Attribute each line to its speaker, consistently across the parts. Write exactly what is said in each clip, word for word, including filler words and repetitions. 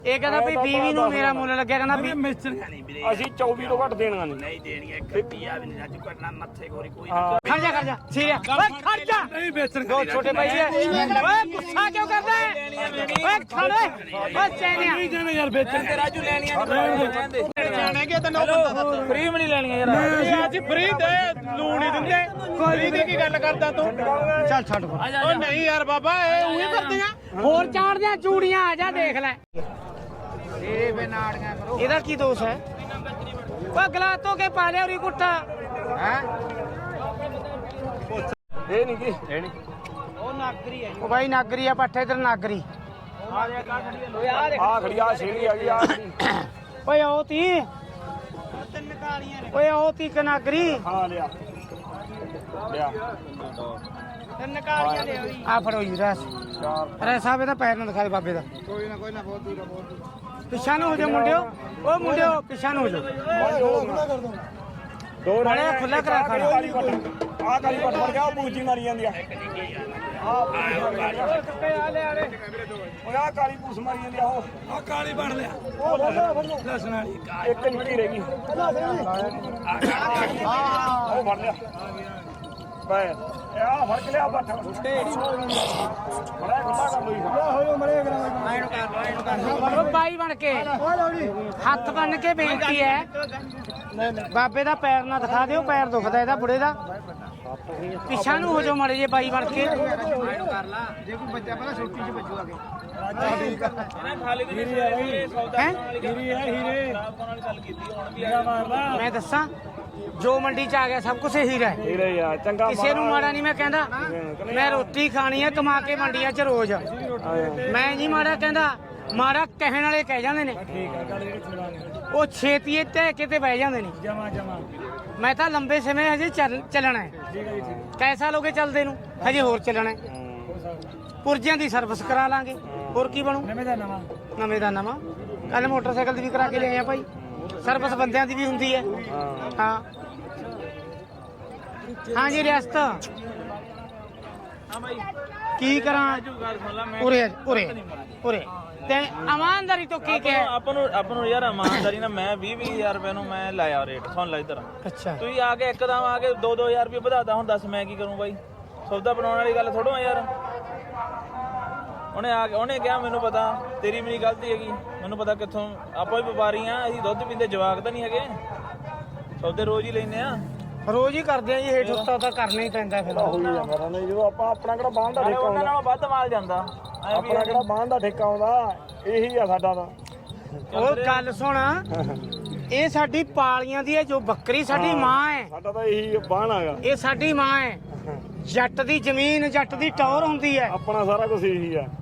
Speaker 1: ਇਹ ਕਹਿੰਦਾ ਵੀ ਵੀਹ ਨੂੰ ਮੇਰਾ ਮੁੱਲ ਲੱਗਿਆ ਕਹਿੰਦਾ ਵੀ
Speaker 2: ਅਸੀਂ ਚੌਵੀ ਤੋਂ ਘੱਟ ਦੇਣਾ ਨਹੀਂ
Speaker 3: ਨਹੀਂ ਦੇਣੀ ਇੱਕ ਰੁਪਿਆ ਵੀ ਨਹੀਂ ਰਾਜੂ ਕਰਨਾ ਮੱਥੇ ਗੋਰੀ ਕੋਈ
Speaker 1: ਖੜ ਜਾ ਖੜ ਜਾ ਸੀਰੀਆ ਓਏ ਖੜ ਜਾ ਨਹੀਂ ਵੇਚਣ ਦੋ ਛੋਟੇ ਭਾਈ ਓਏ ਗੁੱਸਾ ਕਿਉਂ ਕਰਦਾ ਹੈ ਓਏ ਖੜ ਓਏ ਚੈਨਿਆ ਨਹੀਂ ਦੇਣਾ ਯਾਰ ਵੇਚਣ
Speaker 3: ਤੇ ਰਾਜੂ ਲੈਣੀਆਂ ਨਹੀਂ
Speaker 1: ਜਾਣੇਗੇ ਤੈਨੂੰ ਬੰਦਾ
Speaker 3: ਫ੍ਰੀ ਵੀ ਨਹੀਂ ਲੈਣੀਆਂ ਯਾਰ
Speaker 1: ਅੱਜ ਫ੍ਰੀ ਦੇ ਲੂਣ ਹੀ ਦਿੰਦੇ ਕੋਈ ਦੀ ਕੀ ਗੱਲ ਕਰਦਾ ਤੂੰ ਚੱਲ ਛੱਡ ਓ ਨਹੀਂ ਯਾਰ ਬਾਬਾ ਇਹ ਉਹੀ ਕਰਦੀਆਂ ਹੋਰ ਚਾੜਦਿਆਂ ਚੂੜੀਆਂ ਆ ਜਾ ਦੇਖ ਲੈ ਇਹ ਵੇ ਨਾੜੀਆਂ ਕਰੋ ਇਹਦਾ ਕੀ ਦੋਸ਼ ਹੈ ਓ ਗਲਾ ਧੋ ਕੇ ਪਾ ਲਿਆ ਉਰੀ ਕੁੱਟਾ ਹੈ
Speaker 2: ਇਹ ਨਹੀਂ ਕੀ ਇਹ ਨਹੀਂ
Speaker 1: ਉਹ ਨਾਗਰੀ ਹੈ ਉਹ ਬਾਈ ਨਾਗਰੀ ਆ ਪੱਠੇ ਇਧਰ ਨਾਗਰੀ
Speaker 2: ਆ ਖੜੀ ਆ ਛੇੜੀ ਆ ਗਈ ਆ
Speaker 1: ਓਏ ਉਹ ਤੀ ਤਿੰਨ ਕਾਲੀਆਂ ਨੇ ਓਏ ਉਹ ਤੀ ਕਨਾਗਰੀ
Speaker 2: ਹਾਂ ਲਿਆ ਲਿਆ
Speaker 1: ਤਿੰਨ ਕਾਲੀਆਂ ਲੈ ਆਈ ਆ ਫੜੋ ਜੀ ਰਸ ਅਰੇ ਸਾਹਿਬ ਇਹਦਾ ਪੈਰ ਨਾ ਦਿਖਾ ਦੇ ਬਾਬੇ ਦਾ
Speaker 2: ਕੋਈ ਨਾ ਕੋਈ ਨਾ ਬਹੁਤ ਦੂਰ ਬਹੁਤ ਦੂਰ
Speaker 1: ਪਿੱਛਾ ਨੂੰ ਹੋ ਜਾ ਮੁੰਡਿਓ ਓ ਮੁੰਡਿਓ ਪਿੱਛਾ ਨੂੰ ਹੋ ਜਾ
Speaker 2: ਦੋ
Speaker 1: ਬੜੇ ਖੁੱਲਾ ਕਰਾ ਖਾਣਾ
Speaker 2: ਆ ਕਾਲੀ ਪੱਟ ਫੜ ਗਿਆ ਉਹ ਬੂਜੀ ਮਾਰੀ ਜਾਂਦੀ ਆ ਆ
Speaker 1: ਆਲੇ ਆਲੇ
Speaker 2: ਓਏ ਆ ਕਾਲੀ ਪੂਸ ਮਾਰੀ ਜਾਂਦੀ ਆ ਉਹ ਆ ਕਾਲੀ ਫੜ ਲਿਆ ਉਹ ਲਸਣ ਵਾਲੀ ਇੱਕ ਨਿੱਕੀ ਰਹਿ ਗਈ ਉਹ ਫੜ ਲਿਆ ਬੈ ਆ ਫੜ ਕੇ ਲਿਆ ਬੱਠ ਬੜਾ ਖੁੱਲਾ ਕਰ ਲਈ ਹੋਇਓ ਮਰੇ ਕਰਾਂ
Speaker 1: ਓ ਬਾਈ ਬਣ ਕੇ ਹੱਥ ਬੰਨ ਕੇ ਬੇਨਤੀ ਹੈ ਬਾਬੇ ਦਾ ਪੈਰ ਨਾ ਦਿਖਾ ਦਿਓ ਪੈਰ ਦੁਖਦਾ ਇਹਦਾ ਬੁੜੇ ਦਾ ਪਿੱਛਾ ਨੂੰ ਹੋ ਜਾਓ ਮਾੜੇ ਜੇ ਬਾਈ ਬਣ ਕੇ
Speaker 3: ਕਰ ਲਾ ਜੇ ਕੋਈ ਬੱਚਾ ਪਹਿਲਾਂ ਛੋਟੀ ਚ ਬੱਜੂ ਆਗੇ ਇਹਨਾਂ ਖਾਲੀ ਦੀ ਸੌਦਾ
Speaker 2: ਹੀਰੇ ਹੈ ਹੀਰੇ
Speaker 3: ਗੱਲ ਕੀਤੀ ਹੁਣ ਵੀ
Speaker 1: ਮੈਂ ਦੱਸਾਂ ਜੋ ਮੰਡੀ ਚ ਆ ਗਿਆ ਸਭ ਕੁਝ ਹੀਰਾ ਹੈ
Speaker 2: ਹੀਰੇ ਯਾਰ ਚੰਗਾ
Speaker 1: ਕਿਸੇ ਨੂੰ ਮਾੜਾ ਨਹੀਂ ਮੈਂ ਕਹਿੰਦਾ ਮੈਂ ਰੋਟੀ ਖਾਣੀ ਹੈ ਕਮਾ ਕੇ ਮੰਡੀਆਂ 'ਚ ਰੋਜ਼ ਮੈਂ ਨਹੀਂ ਮਾੜਾ ਕਹਿੰਦਾ ਮਾੜਾ ਕਹਿਣ ਵਾਲੇ ਕਹਿ ਜਾਂਦੇ ਨੇ ਉਹ ਛੇਤੀਏ ਢਹਿ ਕੇ ਤੇ ਬਹਿ ਜਾਂਦੇ ਨੇ
Speaker 2: ਜਮਾ ਜਮਾ
Speaker 1: ਮੈਂ ਤਾਂ ਲੰਬੇ ਸਮੇਂ ਹਜੇ ਚੱਲਣਾ ਹੈ ਕੈਸਾ ਲੋਗੇ ਚੱਲਦੇ ਨੂੰ ਹਜੇ ਹੋਰ ਚੱਲਣਾ ਹੈ ਪੁਰਜਿਆਂ ਦੀ ਸਰਵਿਸ ਕਰਾ ਲਾਂਗੇ ਹੋਰ ਕੀ ਬਣੂ
Speaker 2: ਨਵੇਂ ਦਾ ਨਵਾਂ
Speaker 1: ਨਵੇਂ ਦਾ ਨਵਾਂ ਕੱਲ ਮੋਟਰਸਾਈਕਲ ਦੀ ਵੀ ਕਰਾ ਕੇ ਲਿਆਏ ਆ ਭਾਈ ਸਰਵਿਸ ਬੰਦਿਆਂ ਦੀ ਵੀ ਹੁੰਦੀ ਹੈ ਹਾਂ ਹਾਂ ਜੀ ਰਿਆਸਤ
Speaker 3: ਹਾਂ ਬਾਈ
Speaker 1: ਕੀ ਕਰਾਂ
Speaker 3: ਰਾਜੂ ਗੱਲ ਸੁਣ ਲੈ ਮੈਂ
Speaker 1: ਉਰੇ ਉਰੇ ਉਰੇ ਤੇ ਇਮਾਨਦਾਰੀ ਤੋਂ ਕੀ ਕਹੇ
Speaker 3: ਆਪਾਂ ਨੂੰ ਆਪਾਂ ਨੂੰ ਯਾਰ ਇਮਾਨਦਾਰੀ ਨਾਲ ਮੈਂ ਵੀਹ ਵੀਹ ਹਜ਼ਾਰ ਰੁਪਏ ਨੂੰ ਮੈਂ ਲਾਇਆ ਰੇਟ ਸੁਣ ਲੈ ਇਧਰ
Speaker 1: ਅੱਛਾ
Speaker 3: ਤੁਸੀਂ ਆ ਕੇ ਇੱਕਦਮ ਆ ਕੇ ਦੋ ਦੋ ਹਜ਼ਾਰ ਰੁਪਏ ਵਧਾਤਾ ਹੁਣ ਦੱਸ ਮੈਂ ਕੀ ਕਰੂੰ ਬਾਈ ਸੌਦਾ ਬਣਾਉਣ ਵਾਲੀ ਗੱਲ ਥੋੜੋ ਆ ਯਾਰ ਉਹਨੇ ਆ ਕੇ ਉਹਨੇ ਕਿਹਾ ਮੈਨੂੰ ਪਤਾ ਤੇਰੀ ਵੀ ਨਹੀਂ ਗਲਤੀ ਹੈਗੀ ਮੈਨੂੰ ਪਤਾ ਕਿੱਥੋਂ ਆਪਾਂ ਵੀ ਵਪਾਰੀ ਆ ਅਸੀਂ ਦੁੱਧ ਪੀਂਦੇ ਜਵਾਕ ਤਾਂ ਨਹੀਂ ਹੈਗੇ ਸੌਦੇ ਰੋਜ਼ ਹੀ ਲੈਨੇ ਆ
Speaker 1: ਰੋਜ਼ ਹੀ ਕਰਦੇ ਆ ਜੀ ਹੇਠ ਉੱਤਾ ਤਾਂ ਕਰਨਾ ਹੀ ਪੈਂਦਾ ਫਿਰ
Speaker 2: ਹੋਈ ਜਾਂਦਾ ਨਹੀਂ ਜਦੋਂ ਆਪਾਂ ਆਪਣਾ ਕਿਹੜਾ ਬਾਹਨ ਦਾ ਠੇਕਾ
Speaker 3: ਉਹਨਾਂ
Speaker 2: ਆਉਂਦਾ
Speaker 3: ਨਾਲੋਂ ਵੱਧ ਮਾਲ ਜਾਂਦਾ
Speaker 2: ਆਪਣਾ ਕਿਹੜਾ ਬਾਹਨ ਦਾ ਠੇਕਾ ਆਉਂਦਾ ਇਹੀ ਆ ਸਾਡਾ ਤਾਂ
Speaker 1: ਉਹ ਗੱਲ ਸੁਣ ਇਹ ਸਾਡੀ ਪਾਲੀਆਂ ਦੀ ਹੈ ਜੋ ਬੱਕਰੀ ਸਾਡੀ ਮਾਂ ਹੈ
Speaker 2: ਸਾਡਾ ਤਾਂ ਇਹੀ ਬਾਹਨ ਹੈਗਾ
Speaker 1: ਇਹ ਸਾਡੀ ਮਾਂ ਹੈ ਜੱਟ ਦੀ ਜ਼ਮੀਨ ਜੱਟ ਦੀ ਟੌਰ ਹੁੰਦੀ ਹੈ
Speaker 2: ਆਪਣਾ ਸਾਰਾ ਕੁਝ ਇਹੀ ਆ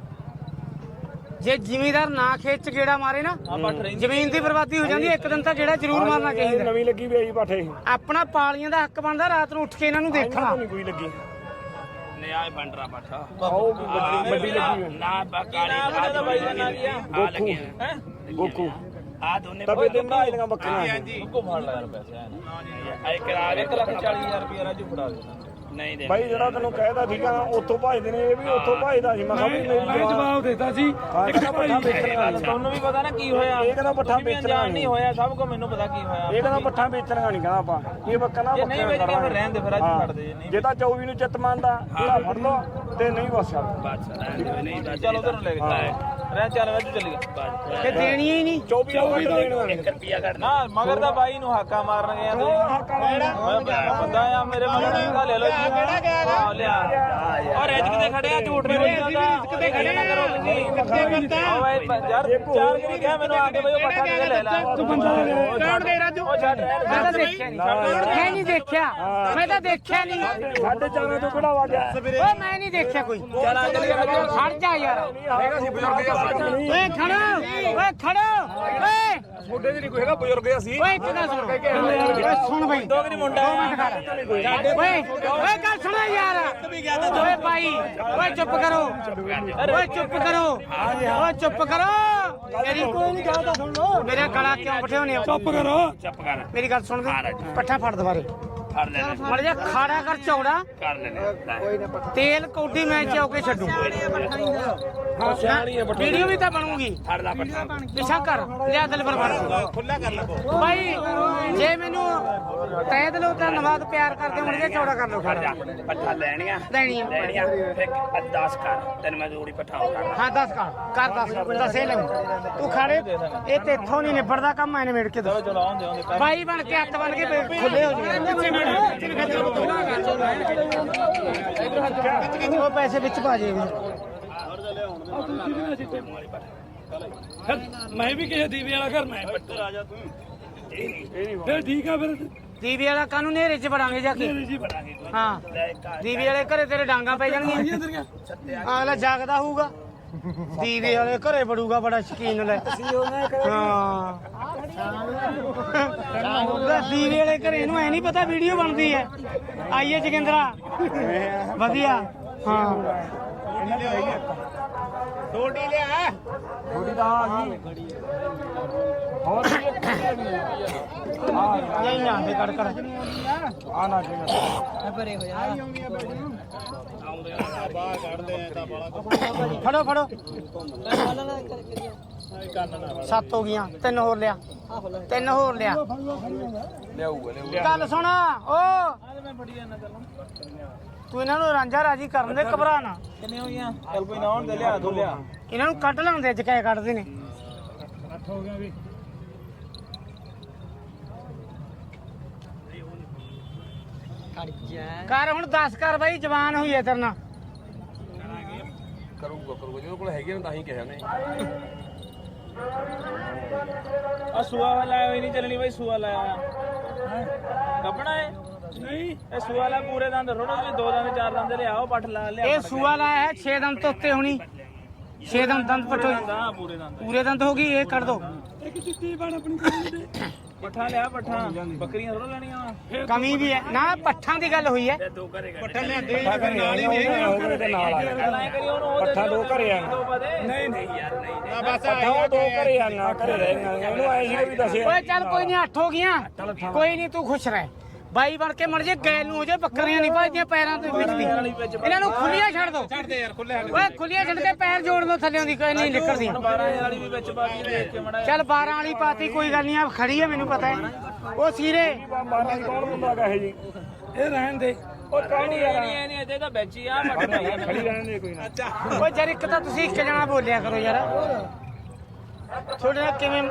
Speaker 1: ਜੇ ਜ਼ਿਮੀਂਦਾਰ ਨਾ ਖੇਤ ਚ ਗੇੜਾ ਮਾਰੇ ਨਾ ਜ਼ਮੀਨ ਦੀ ਬਰਬਾਦੀ ਹੋ ਜਾਂਦੀ ਹੈ ਇੱਕ ਦਿਨ ਤਾਂ ਗੇੜਾ ਜ਼ਰੂਰ ਮਾਰਨਾ ਚਾਹੀਦਾ
Speaker 2: ਨਵੀਂ ਲੱਗੀ ਵੀ ਆਈ ਪਾਠੇ
Speaker 1: ਆਪਣਾ ਪਾਲੀਆਂ ਦਾ ਹੱਕ ਬਣਦਾ ਰਾਤ ਨੂੰ ਉੱਠ ਕੇ ਇਹਨਾਂ ਨੂੰ ਦੇਖਣਾ
Speaker 2: ਨਹੀਂ ਕੋਈ ਲੱਗੀ
Speaker 3: ਨਿਆਏ ਬੰਡਰਾ ਬਾਠਾ
Speaker 2: ਆਓ ਵੱਡੀ ਵੱਡੀ ਲੱਗੀ ਹੋਈ।
Speaker 3: ਨਾ ਬਕਾਲੀ ਦਾ ਬਾਈ ਦਾ ਨਾਂ ਕੀ ਆ ਆ ਲੱਗਿਆ ਹੈ
Speaker 2: ਗੋਕੂ
Speaker 3: ਆ ਦੋਨੇ
Speaker 2: ਤਬੇ ਤੇ ਬਣਾਈਆਂ ਬੱਕਰੀਆਂ
Speaker 3: ਹਾਂਜੀ ਕੋ ਫੜ ਲੈ ਯਾਰ ਪੈਸੇ ਆ ਇੱਕ ਕਰਾ ਇੱਕ ਲੱਖ ਚਾਲੀ ਹਜ਼ਾਰ ਰੁਪਏ ਰਾਜੂ ਫੜਾ ਦੇ ਨਹੀਂ ਦੇ
Speaker 2: ਬਾਈ ਜਿਹੜਾ ਤੈਨੂੰ ਕਹਿਦਾ ਠੀਕ ਆ ਉੱਥੋਂ ਭਜਦੇ ਨੇ ਇਹ ਵੀ ਉੱਥੋਂ ਭਜਦਾ ਸੀ ਮੈਂ ਕਿਹਾ ਵੀ ਨਹੀਂ ਜਵਾਬ ਦਿੱਤਾ ਸੀ ਇੱਕ ਪੱਠਾ ਵੇਚਣਾ
Speaker 3: ਤੁਹਾਨੂੰ ਵੀ ਪਤਾ ਨਾ ਕੀ ਹੋਇਆ
Speaker 2: ਇਹ ਕਹਿੰਦਾ ਪੱਠਾ ਵੇਚਣਾ
Speaker 3: ਨਹੀਂ ਹੋਇਆ ਸਭ ਕੋ ਮੈਨੂੰ ਪਤਾ ਕੀ ਹੋਇਆ
Speaker 2: ਇਹ ਕਹਿੰਦਾ ਪੱਠਾ ਵੇਚਣਾ ਨਹੀਂ ਕਹਿੰਦਾ ਆਪਾਂ ਇਹ ਬੱਕਰਾ
Speaker 3: ਜੇ ਨਹੀਂ ਵੇਚਣੀ ਫਿਰ ਰਹਿਣ ਦੇ ਫਿਰ ਅੱਜ ਛੱਡ ਦੇ ਨਹੀਂ
Speaker 2: ਜੇ ਤਾਂ ਚੌਵੀ ਨੂੰ ਚਿੱਤ ਮੰਨਦਾ ਇਹਦਾ ਫੜ ਲਓ ਤੇ ਨਹੀਂ ਬਸ
Speaker 3: ਨਹੀਂ ਚਲੋ ਉਧਰ ਨੂੰ ਲੈ ਕੇ ਰਹਿ ਚੱਲ ਰਾਜੂ ਚੱਲੀਏ
Speaker 1: ਤੇ ਦੇਣੀ ਹੀ ਨਹੀਂ
Speaker 2: ਚੌਵੀ ਨੂੰ ਦੇਣਾ
Speaker 3: ਇੱਕ ਰੁਪਿਆ ਕੱਢ ਨਾ ਮਗਰ ਦਾ ਬਾਈ ਨੂੰ ਹਾਕਾ ਮਾਰਨ ਗਿਆ ਤੁਸੀਂ ਬੰਦਾ ਆ ਮੇਰੇ ਮਗਰ ਨੂੰ ਲੈ ਲਓ ਕਿਹੜਾ ਗਿਆ ਲਿਆ ਔਰ ਰਿਜ਼ਕ ਤੇ ਖੜਿਆ ਝੂਠ ਨਹੀਂ ਬੋਲਦਾ ਰਿਜ਼ਕ ਤੇ ਖੜੇ ਨਾ ਕਰੋ ਤੁਸੀਂ ਕਿੱਥੇ ਕਰਤਾ ਓ ਬਾਈ ਯਾਰ ਚਾਰ ਵੀ ਕਿਹਾ ਮੈਨੂੰ ਆ ਕੇ ਬਈ ਉਹ ਪੱਠਾ ਕਿਤੇ ਲੈ ਲੈ
Speaker 1: ਤੂੰ ਬੰਦਾ ਕੌਣ ਗਏ ਰਾਜੂ
Speaker 3: ਉਹ ਛੱਡ
Speaker 1: ਮੈਂ ਤਾਂ ਦੇਖਿਆ ਨਹੀਂ ਮੈਂ ਨਹੀਂ ਦੇਖਿਆ ਮੈਂ ਤਾਂ ਦੇਖਿਆ ਨਹੀਂ
Speaker 2: ਸਾਡੇ ਚਾਰਾਂ ਤੋਂ ਕਿਹੜਾ ਵਾਜਿਆ
Speaker 1: ਓ ਮੈਂ ਨਹੀਂ ਦੇਖਿਆ ਕੋਈ
Speaker 3: ਚੱਲ ਆ ਚੱਲੀਏ
Speaker 1: ਖੜ ਜਾ ਯਾਰ
Speaker 2: ਹੈਗਾ ਸੀ ਬਜ਼ੁਰਗ
Speaker 1: ਓਏ ਖੜੋ ਓਏ ਖੜੋ ਓਏ
Speaker 2: ਛੋਡੇ ਦੀ ਨਹੀਂ ਕੋਈ ਹੈਗਾ ਬਜ਼ੁਰਗ ਅਸੀਂ
Speaker 1: ਓਏ ਇੱਕ ਗੱਲ ਸੁਣ ਓਏ ਸੁਣ ਬਈ
Speaker 3: ਦੋ ਕਿ ਨਹੀਂ ਮੁੰਡਾ
Speaker 1: ਓਏ ਓਏ ਗੱਲ ਸੁਣੋ ਯਾਰ ਓਏ ਭਾਈ ਓਏ ਚੁੱਪ ਕਰੋ ਓਏ ਚੁੱਪ ਕਰੋ ਓਏ ਚੁੱਪ ਕਰੋ ਮੇਰੀ ਕੋਈ ਨਹੀਂ ਕਹਦਾ ਸੁਣ ਲੋ ਮੇਰਾ ਗਲਾ ਕਿਉਂ ਬਿਠਾਉਨੇ ਹੋ ਚੁੱਪ ਕਰੋ
Speaker 3: ਚੁੱਪ ਕਰ
Speaker 1: ਮੇਰੀ ਗੱਲ ਸੁਣ ਦੇ ਪੱਠਾ ਫੜ ਦੁਬਾਰੇ
Speaker 3: ਫੜ ਲੈਣੇ
Speaker 1: ਮੜ ਜਾ ਖਾੜਾ ਕਰ ਚੌੜਾ
Speaker 3: ਕਰ ਲੈਣੇ
Speaker 1: ਤੇਲ ਕੌਡੀ ਮੈਂ ਚੌਕੇ ਛੱਡੂ ਵੀਡੀਓ ਵੀ ਤਾਂ ਬਣੂਗੀ ਪਿਛਾ ਕਰ ਲਿਆ ਦਿਲ ਪਰ
Speaker 3: ਖੁੱਲਾ ਕਰ ਲੈ
Speaker 1: ਭਾਈ ਜੇ ਮੈਨੂੰ ਤੈ ਦਿਲੋਂ ਧੰਨਵਾਦ ਪਿਆਰ ਕਰਦੇ ਹੋਣਗੇ ਚੌੜਾ ਕਰ ਲਓ ਖੜਾ
Speaker 4: ਪੱਠਾ ਲੈਣੀਆਂ
Speaker 1: ਲੈਣੀ ਆ
Speaker 4: ਲੈਣੀਆਂ ਫਿਰ ਦਸ ਕਰ ਤੈਨੂੰ ਮੈਂ ਜੋੜੀ ਪੱਠਾ ਕਰ
Speaker 1: ਹਾਂ ਦਸ ਕਰ ਕਰ ਦਸ ਦਸੇ ਲੈ ਤੂੰ ਖਾੜੇ ਇਹ ਤੇ ਇੱਥੋਂ ਨਹੀਂ ਨਿਬੜਦਾ ਕੰਮ ਐਨੇ ਮੇੜ ਕੇ ਦੋ
Speaker 3: ਚਲੋ ਆਉਂਦੇ ਆਉਂਦੇ
Speaker 1: ਬਾਈ ਬਣ ਕੇ ਹੱਥ ਬਣ ਕੇ ਖੁੱਲੇ ਹੋ ਜਾਣਗੇ ਉਹ ਪੈਸੇ ਵਿੱਚ ਪਾ ਜੇ
Speaker 2: ਮੈਂ ਵੀ ਕਿਸੇ ਦੀਵੇ ਵਾਲਾ ਘਰ ਮੈਂ ਆ ਜਾ ਤੂੰ ਫਿਰ ਠੀਕ ਆ ਫਿਰ
Speaker 1: ਦੀਵੇ ਵਾਲਾ ਕਾਨੂੰ ਨੇਰੇ ਚ ਵੜਾਂਗੇ ਜਾ ਕੇ
Speaker 2: ਜੀ ਬਣਾਂਗੇ
Speaker 1: ਹਾਂ ਦੀਵੇ ਵਾਲੇ ਘਰੇ ਤੇਰੇ ਡਾਂਗਾ ਪੈ ਜਾਣਗੀਆਂ ਅਗਲਾ ਜਾਗਦਾ ਹੋਊਗਾ ਦੀਵੇ ਵਾਲੇ ਘਰੇ ਵੜੂਗਾ ਬੜਾ ਸ਼ਕੀਨ ਲੈ ਹਾਂ ਦੀਵੇ ਵਾਲੇ ਘਰੇ ਨੂੰ ਐ ਨਹੀਂ ਪਤਾ ਵੀਡੀਓ ਬਣਦੀ ਹੈ ਆਈਏ ਜਗਿੰਦਰਾ ਵਧੀਆ ਹਾਂ
Speaker 3: ਛੋਟੀ ਲਿਆ
Speaker 2: ਥੋੜੀ ਦਾ ਆ ਗਈ ਹੋਰ
Speaker 1: ਨਹੀਂ ਨਾ ਫੇ ਕੜ ਕੜ
Speaker 2: ਆ ਨਾ ਚਾਹੀਦਾ
Speaker 1: ਪਰੇ ਹੋ ਜਾ
Speaker 3: ਬਾਹਰ ਕੱਢਦੇ ਆ ਤਾਂ ਬਾਲਾ
Speaker 1: ਫੜੋ ਫੜੋ ਸੱਤ ਹੋ ਗਈਆਂ ਤਿੰਨ ਹੋਰ ਲਿਆ ਤਿੰਨ ਹੋਰ ਲਿਆ
Speaker 2: ਲਿਆਊਗਾ ਲਿਆਊਗਾ
Speaker 1: ਗੱਲ ਸੁਣ ਓ ਤੂੰ ਇਹਨਾਂ ਨੂੰ ਰਾਂਝਾ ਰਾਜੀ ਕਰਨ ਦੇ ਘਬਰਾ ਨਾ
Speaker 3: ਕਿੰਨੇ ਹੋਈਆਂ ਚੱਲ ਕੋਈ ਨਾ ਆਉਣ ਦੇ ਲਿਆ ਦੋ ਲਿਆ
Speaker 1: ਇਹਨਾਂ ਨੂੰ ਕੱਢ ਲਾਉਂਦੇ ਅੱਜ ਕਿਆ ਕੱਢਦੇ ਨੇ
Speaker 2: ਅੱਠ ਹੋ ਗਿਆ ਵੀ
Speaker 1: ਕਰ ਹੁਣ ਦਸ ਕਰ ਬਾਈ ਜਵਾਨ ਹੋਈ ਐ ਤੇਰੇ ਨਾਲ
Speaker 2: ਕਰੂਗਾ ਕਰੂਗਾ ਜਿਹਦੇ ਕੋਲ ਹੈਗੇ ਨੇ ਤਾਂ ਹੀ ਕਿਹਾ ਨੇ
Speaker 3: ਆ ਸੂਆ ਵਾਲਾ ਹੋਈ ਨਹੀਂ ਚੱਲਣੀ ਬਾਈ ਸੂਆ ਲਾਇਆ ਕੱਪਣਾ ਹੈ
Speaker 2: ਨਹੀਂ
Speaker 3: ਇਹ ਸੂਆ ਵਾਲਾ ਪੂਰੇ ਦੰਦ ਥੋੜਾ ਜਿਹਾ ਦੋ ਦੰਦ ਚਾਰ ਦੰਦ ਲਿਆਓ ਪੱਠ ਲਾ ਲਿਆ
Speaker 1: ਇਹ ਸੂਆ ਲਾਇਆ ਹੈ ਛੇ ਦੰਦ ਤੋਂ ਉੱਤੇ ਹੋਣੀ ਛੇ ਦੰਦ ਦੰਦ ਪਟੋ
Speaker 3: ਹਾਂ ਪੂਰੇ ਦੰਦ
Speaker 1: ਪੂਰੇ ਦੰਦ ਹੋ ਗਈ ਇਹ ਕੱਢ ਦੋ
Speaker 2: ਇੱਕ ਚਿੱਟੀ ਬਣ ਆਪਣੀ ਕੋਲ
Speaker 3: ਪੱਠਾ ਲਿਆ ਪੱਠਾ ਬੱਕਰੀਆਂ ਥੋੜਾ ਲੈਣੀਆਂ
Speaker 1: ਕਮੀ ਵੀ ਹੈ ਨਾ ਪੱਠਾਂ ਦੀ ਗੱਲ ਹੋਈ ਹੈ
Speaker 3: ਪੱਠਾ ਲਿਆਂਦੇ ਨਾਲ ਹੀ
Speaker 2: ਨਾਲ ਆ
Speaker 3: ਐਂ ਕਰੀ ਉਹਨੂੰ ਉਹ
Speaker 2: ਪੱਠਾ ਦੋ ਘਰੇ ਆ
Speaker 3: ਦੋ ਪਾ ਦੇ
Speaker 2: ਨਹੀਂ ਨਹੀਂ ਯਾਰ ਨਹੀਂ
Speaker 3: ਨਾ ਬਸ
Speaker 2: ਪੱਠਾ ਉਹ ਦੋ ਘਰੇ ਆ ਨਾ ਘਰੇ ਰਹਿ ਇਹਨੂੰ ਐ ਸੀ ਵੀ ਦੱਸਿਆ
Speaker 1: ਓਏ ਚੱਲ ਕੋਈ ਨਹੀਂ ਅੱਠ ਹੋ ਗਈਆਂ ਕੋਈ ਨਹੀਂ ਤੂੰ ਖੁਸ਼ ਰਹਿ ਬਾਈ ਬਣ ਕੇ ਮਰ ਜੇ ਗੈਲ ਨੂੰ ਹੋ ਜੇ ਬੱਕਰੀਆਂ ਨਹੀਂ ਭਜਦੀਆਂ ਪੈਰਾਂ ਦੇ ਵਿੱਚ ਦੀ ਇਹਨਾਂ ਨੂੰ ਖੁੱਲੀਆਂ ਛੱਡ ਦੋ
Speaker 3: ਛੱਡ ਦੇ ਯਾਰ ਖੁੱਲੇ
Speaker 1: ਓਏ ਖੁੱਲੀਆਂ ਛੱਡ ਕੇ ਪੈਰ ਜੋੜ ਦੋ ਥੱਲੇ ਦੀ ਕੋਈ ਨਹੀਂ ਨਿਕਲਦੀ
Speaker 3: ਬਾਰਾਂ ਹਜ਼ਾਰ ਵਾਲੀ ਵੀ ਵਿੱਚ ਪਾ ਕੇ ਦੇਖ ਕੇ ਮੜਾ
Speaker 1: ਚੱਲ ਬਾਰਾਂ ਵਾਲੀ ਪਾਤੀ ਕੋਈ ਗੱਲ ਨਹੀਂ ਆ ਖੜੀ ਹੈ ਮੈਨੂੰ ਪਤਾ ਹੈ ਉਹ ਸੀਰੇ
Speaker 2: ਬਾਰਾਂ ਦੀ ਕੌਣ ਹੁੰਦਾ ਕਹੇ ਜੀ ਇਹ ਰਹਿਣ ਦੇ ਉਹ ਕੌਣ
Speaker 3: ਨਹੀਂ
Speaker 2: ਯਾਰ
Speaker 3: ਨਹੀਂ ਨਹੀਂ ਇਹਦੇ ਤਾਂ ਵਿੱਚ ਹੀ ਆ ਪੱਠਾ
Speaker 2: ਖੜੀ ਰਹਿਣ ਦੇ ਕੋਈ ਨਾ
Speaker 1: ਓਏ ਜਰ ਇੱਕ ਤਾਂ ਤੁਸੀਂ ਇੱਕ ਜਣਾ ਬੋਲਿਆ ਕਰੋ ਯਾਰ ਤੁਹਾਡੇ ਨਾਲ ਕਿਵੇਂ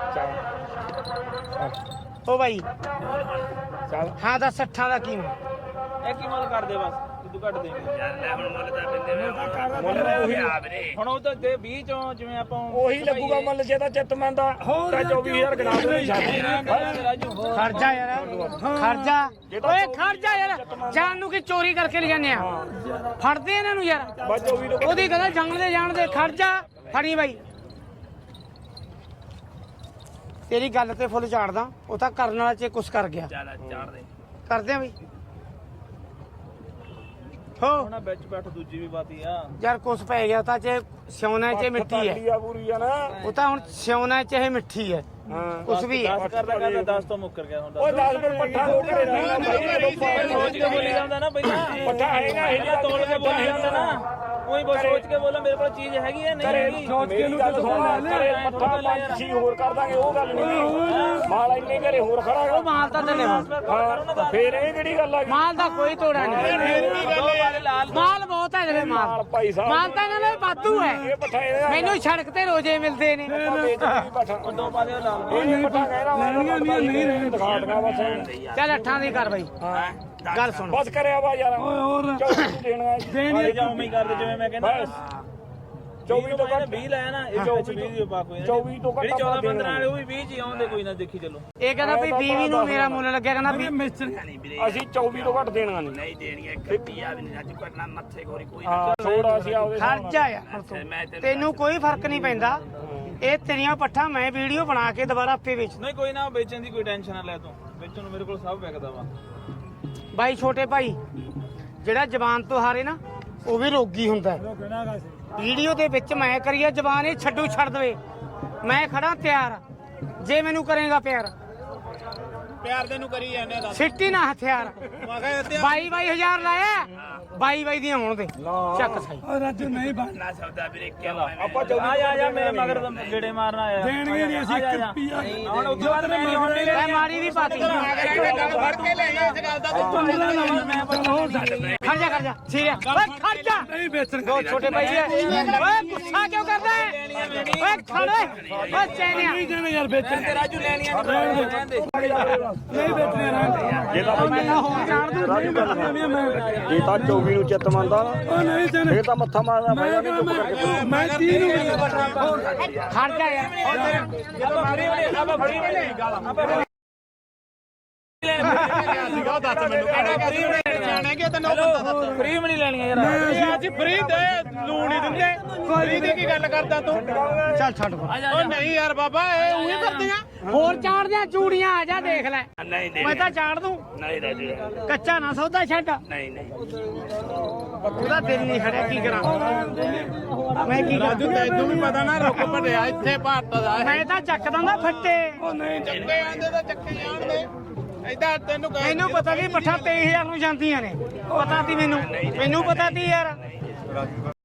Speaker 1: ਓ ਬਾਈ
Speaker 2: ਚੱਲ
Speaker 1: ਹਾਂ ਦਾ ਸੱਠਾਂ ਦਾ ਕੀ
Speaker 3: ਇਹ ਕੀ ਮੁੱਲ ਕਰਦੇ ਬਸ ਤੂੰ ਕੱਟ ਦੇ
Speaker 4: ਯਾਰ ਲੈ ਹੁਣ ਮੁੱਲ ਤਾਂ ਬਿੰਦੇ ਵੇ
Speaker 2: ਮੁੱਲ ਉਹੀ
Speaker 4: ਆ ਵੀਰੇ
Speaker 3: ਹੁਣ ਉਹ ਤਾਂ ਦੇ ਵੀਹ ਚੋਂ ਜਿਵੇਂ ਆਪਾਂ
Speaker 2: ਉਹੀ ਲੱਗੂਗਾ ਮੁੱਲ ਜੇ ਤਾਂ ਚਿੱਤ ਮੰਦਾ ਤਾਂ ਚੌਵੀ ਹਜ਼ਾਰ ਗਣਾ ਦੋ
Speaker 3: ਰਾਜੂ
Speaker 1: ਖਰਜਾ ਯਾਰ ਖਰਜਾ ਓਏ ਖਰਜਾ ਯਾਰ ਜਾਨ ਨੂੰ ਕੀ ਚੋਰੀ ਕਰਕੇ ਲੈ ਜਾਂਦੇ ਆ ਫੜਦੇ ਇਹਨਾਂ ਨੂੰ ਯਾਰ
Speaker 2: ਬਸ ਚੌਵੀ ਤੋਂ
Speaker 1: ਉਹਦੀ ਗੱਲ ਜੰਗ ਦੇ ਜਾਣ ਦੇ ਖਰਜਾ ਫੜੀ ਬਾਈ ਤੇਰੀ ਗੱਲ ਤੇ ਫੁੱਲ ਝਾੜਦਾ ਉਹ ਤਾਂ ਕਰਨ ਵਾਲਾ ਚ ਕੁਛ ਕਰ ਗਿਆ
Speaker 4: ਚੱਲ ਚਾੜ ਦੇ
Speaker 1: ਕਰਦੇ ਆ ਬਈ ਹੋ
Speaker 3: ਹੁਣ ਵਿੱਚ ਬੈਠ ਦੂਜੀ ਵੀ ਬਾਤੀ ਆ
Speaker 1: ਯਾਰ ਕੁਛ ਪੈ ਗਿਆ ਤਾਂ ਚ ਸਿਉਣਾ ਚ ਮਿੱਟੀ ਹੈ
Speaker 2: ਆ ਪੂਰੀ ਆ ਨਾ
Speaker 1: ਉਹ ਤਾਂ ਹੁਣ ਸਿਉਣਾ ਚ ਇਹ ਮਿੱਠੀ ਹੈ
Speaker 2: ਹਾਂ
Speaker 1: ਕੁਛ ਵੀ ਹੈ
Speaker 3: ਦਸ ਕਰਦਾ ਕਰਦਾ ਦਸ ਤੋਂ ਮੁੱਕਰ ਗਿਆ ਹੁਣ
Speaker 2: ਉਹ ਦਸ ਪਰ ਪੱਠਾ ਹੋ ਕੇ ਰਹਿਣਾ
Speaker 3: ਸੋਚ ਕੇ ਬੋਲੀ ਜਾਂਦਾ ਨਾ ਪਹਿਲਾਂ
Speaker 2: ਪੱਠਾ ਹੈਗਾ ਇਹ
Speaker 3: ਪਹਿਲਾਂ ਤੋੜ ਕੇ ਬੋਲੀ ਜਾਂਦਾ ਨਾ ਉਹੀ ਬਸ ਸੋਚ ਕੇ ਬੋਲਾਂ ਮੇਰੇ ਕੋਲ ਚੀਜ਼ ਹੈਗੀ ਹੈ ਨਹੀਂ ਹੈਗੀ
Speaker 2: ਸੋਚ ਕੇ ਨੂੰ ਗੱਲ ਸੁਣ ਲੈ ਪੱਠਾ ਪੰਜ ਛੇ ਹੋਰ ਕਰ ਦਾਂਗੇ ਉਹ ਗੱਲ ਨਹੀਂ ਮਾਲ ਇੰਨੇ ਘਰੇ ਹੋਰ ਖੜਾ
Speaker 1: ਉਹ ਮਾਲ ਤਾਂ ਤੇ ਲੈਵਾ
Speaker 2: ਹਾਂ ਫੇਰ ਇਹ ਕਿਹੜੀ ਗੱਲ ਆ ਗਈ
Speaker 1: ਮਾਲ ਦਾ ਕੋਈ ਤੋੜਾ ਨਹੀਂ ਮਾਲ ਬਹੁਤ ਹੈ ਜਿਹੜੇ ਮਾਲ
Speaker 2: ਮਾਲ ਭਾਈ ਸਾਹਿਬ
Speaker 1: ਮਾਲ ਤਾਂ ਇਹਨਾਂ ਦਾ ਵਾਧੂ ਹੈ
Speaker 2: ਇਹ ਪੱਠਾ ਇਹਦਾ
Speaker 1: ਮੈਨੂੰ ਸੜਕ ਤੇ ਰੋਜ਼ੇ ਮਿਲਦੇ ਨੇ
Speaker 2: ਪੱਠਾ
Speaker 3: ਦੋ ਪਾ ਦੇ ਲਾਲ
Speaker 2: ਇਹ ਪੱਠਾ ਕਹਿਣਾ ਲੈਣੀਆਂ ਨਹੀਂ ਰਹਿਣ ਦਿਖਾ ਦਗਾ ਬਸ
Speaker 1: ਚੱਲ ਅੱਠਾਂ ਦੀ ਕਰ ਬਾਈ ਗੱਲ ਸੁਣ
Speaker 2: ਬਸ ਕਰਿਆ ਵਾ ਯਾਰ ਹੋਰ ਚੌਵੀ ਦੇਣਾ
Speaker 3: ਦੇਣੀ ਜਾਂ ਉਮੀ ਕਰਦੇ ਜਿਵੇਂ ਮੈਂ ਕਹਿੰਦਾ
Speaker 2: ਬਸ ਚੌਵੀ ਤੋਂ ਘੱਟ
Speaker 3: ਵੀਹ ਲਾਇਆ ਨਾ ਇਹ ਵਿੱਚ ਵੀਹ ਦੀ ਪਾ ਕੋਈ
Speaker 2: ਚੌਵੀ ਤੋਂ ਘੱਟ
Speaker 3: ਜਿਹੜੀ ਚੌਦਾਂ ਪੰਦਰਾਂ ਵਾਲੇ ਉਹ ਵੀ ਵੀਹ ਚ ਹੀ ਆਉਂਦੇ ਕੋਈ ਨਾ ਦੇਖੀ ਚੱਲੋ
Speaker 1: ਇਹ ਕਹਿੰਦਾ ਵੀ ਵੀਹ ਨੂੰ ਮੇਰਾ ਮੁੱਲ ਲੱਗਿਆ ਕਹਿੰਦਾ ਵੀ
Speaker 4: ਨਹੀਂ ਵੀਰੇ
Speaker 2: ਅਸੀਂ ਚੌਵੀ ਤੋਂ ਘੱਟ ਦੇਣਾ ਨਹੀਂ
Speaker 4: ਨਹੀਂ ਦੇਣੀ ਇੱਕ ਰੁਪਿਆ ਵੀ ਨਹੀਂ ਅੱਜ ਕੱਟਣਾ ਮੱਥੇ ਖੋਰੀ ਕੋਈ
Speaker 2: ਹਾਂ ਥੋੜਾ ਅਸੀਂ ਆਪਦੇ
Speaker 1: ਖਰਚਾ ਯਾਰ
Speaker 4: ਮੈਂ ਤੈਨੂੰ
Speaker 1: ਤੈਨੂੰ ਕੋਈ ਫਰਕ ਨਹੀਂ ਪੈਂਦਾ ਇਹ ਤੇਰੀਆਂ ਪੱਠਾਂ ਮੈਂ ਵੀਡੀਓ ਬਣਾ ਕੇ ਦੁਬਾਰਾ ਆਪੇ ਵੇਚ
Speaker 3: ਨਹੀਂ ਕੋਈ ਨਾ ਵੇਚਣ ਦੀ ਕੋਈ ਟੈਨਸ਼ਨ ਨਾ ਲੈ ਤੂੰ ਵੇਚਣ ਨੂੰ ਮੇਰੇ ਕੋਲ ਸਭ ਵਿਕਦਾ ਵਾ
Speaker 1: ਬਾਈ ਛੋਟੇ ਭਾਈ ਜਿਹੜਾ ਜ਼ਬਾਨ ਤੋਂ ਹਾਰੇ ਨਾ ਉਹ ਵੀ ਰੋਗੀ ਹੁੰਦਾ ਹੈ। ਵੀਡੀਓ ਦੇ ਵਿੱਚ ਮੈਂ ਕਰੀਏ ਜ਼ਬਾਨ ਇਹ ਛੱਡੂ ਛੱਡ ਦੇਵੇ ਮੈਂ ਖੜਾ ਤਿਆਰ ਜੇ ਮੈਨੂੰ ਕਰੇਗਾ ਪਿਆਰ
Speaker 3: ਪਿਆਰ ਦੇ ਨੂੰ ਕਰੀ ਜਾਂਦੇ ਦੱਸ
Speaker 1: ਸਿੱਟੀ ਨਾ ਹਥਿਆਰ
Speaker 3: ਮੈਂ ਕਿਹਾ
Speaker 1: ਬਾਈ ਬਾਈ ਹਜ਼ਾਰ ਲਾਇਆ ਬਾਈ ਬਾਈ ਦੀਆਂ ਹੋਣ ਦੇ ਚੱਕ ਸਹੀ
Speaker 2: ਰਾਜੂ ਨਹੀਂ ਬਣ
Speaker 4: ਨਾ ਸੌਦਾ ਵੀਰੇ ਕਿਉਂ
Speaker 2: ਆਪਾਂ
Speaker 3: ਆ ਜਾ ਆ ਜਾ ਮੇਰੇ ਮਗਰ ਗੇੜੇ ਮਾਰਨ ਆਇਆ
Speaker 2: ਦੇਣਗੇ ਨਹੀਂ ਅਸੀਂ ਇੱਕ ਰੁਪਿਆ
Speaker 3: ਹੁਣ ਉੱਥੇ ਬਾਅਦ ਮੈਂ ਨਹੀਂ ਹੁਣ
Speaker 1: ਮੈਂ ਮਾਰੀ ਦੀ ਪਾਤੀ
Speaker 4: ਗੱਲ ਫੜ ਕੇ ਲੈ ਇਸ ਗੱਲ ਦਾ
Speaker 3: ਮੈਂ
Speaker 1: ਖੜ ਜਾ ਖੜ ਜਾ ਠੀਕ ਹੈ ਓਏ ਖੜ ਜਾ
Speaker 2: ਨਹੀਂ ਵੇਚਣ
Speaker 1: ਦੋ ਛੋਟੇ ਭਾਈ ਹੈ ਓਏ ਗੁੱਸਾ ਕਿਉਂ ਕਰਦਾ ਹੈ ਓਏ ਖੜ ਓਏ ਓਏ ਚੈਨਿਆ
Speaker 2: ਨਹੀਂ ਦੇਣੇ ਯਾਰ ਵੇਚਣ
Speaker 3: ਤੇ ਰਾਜੂ ਲੈਣੀਆਂ ਨਹੀਂ ਰਹਿੰਦੇ
Speaker 2: ਨਹੀਂ ਵੇਚਣੇ ਰਹਿਣ
Speaker 5: ਜੇ ਤਾਂ
Speaker 1: ਮੈਂ ਤਾਂ ਹੋਰ ਜਾਣ ਦੂੰ
Speaker 5: ਜੇ ਤਾਂ ਚੌਵੀ ਨੂੰ ਚਿੱਤ ਮੰਨਦਾ
Speaker 2: ਉਹ ਨਹੀਂ ਦੇਣੇ
Speaker 5: ਇਹ ਤਾਂ ਮੱਥਾ ਮਾਰਦਾ
Speaker 2: ਮੈਂ ਮੈਂ ਮੈਂ ਤੀਹ ਨੂੰ
Speaker 1: ਖੜ ਜਾ ਯਾਰ
Speaker 3: ਜਦੋਂ ਫਰੀ ਹੋਣੀ ਆਪਾਂ ਫਰੀ ਹੋਣੀ ਆਪਾਂ
Speaker 1: ਉਹ ਦੱਸ ਮੈਨੂੰ ਕਿਹੜਾ ਫਰੀ ਜਾਣੇ ਕਿ ਤੈਨੂੰ ਬੰਦਾ ਦੱਸ
Speaker 3: ਫਰੀ ਵੀ ਨਹੀਂ ਲੈਣੀਆਂ ਯਾਰ
Speaker 1: ਇਹ ਅੱਜ ਫਰੀ ਦੇ ਲੂਣ ਨਹੀਂ ਦਿੰਦੇ ਫਰੀ ਦੀ ਕੀ ਗੱਲ ਕਰਦਾ ਤੂੰ ਚੱਲ ਛੱਡ ਓ ਨਹੀਂ ਯਾਰ ਬਾਬਾ ਇਹ ਉਹੀ ਕਰਦੀਆਂ ਹੋਰ ਚਾੜਦਿਆਂ ਚੂੜੀਆਂ ਆ ਜਾ ਦੇਖ ਲੈ
Speaker 4: ਨਹੀਂ ਨਹੀਂ
Speaker 1: ਮੈਂ ਤਾਂ ਚਾੜ ਦੂੰ
Speaker 4: ਨਹੀਂ ਰਾਜੂ
Speaker 1: ਕੱਚਾ ਨਾ ਸੌਦਾ ਛੱਡ
Speaker 4: ਨਹੀਂ ਨਹੀਂ
Speaker 1: ਉਹਦਾ ਦਿਲ ਨਹੀਂ ਖੜਿਆ ਕੀ ਕਰਾਂ ਮੈਂ ਕੀ ਰਾਜੂ ਤੈਨੂੰ ਵੀ ਪਤਾ ਨਾ ਰੁਕ ਭੜਿਆ ਇੱਥੇ ਭਾਰਤ ਦਾ ਮੈਂ ਤਾਂ ਚੱਕ ਦਿੰਦਾ ਫੱਟੇ ਉਹ ਨਹੀਂ ਚੱਕੇ ਆਂਦੇ ਤਾਂ ਚੱਕੇ ਜਾਣਦੇ ਐਦਾਂ ਤੈਨੂੰ ਮੈਨੂੰ ਪਤਾ ਨਹੀਂ ਪੱਠਾ ਤੇਈ ਹਜ਼ਾਰ ਨੂੰ ਜਾਂਦੀਆਂ ਨੇ ਪਤਾ ਤੀ ਮੈਨੂੰ ਮੈਨੂੰ ਪਤਾ ਤੀ ਯਾਰ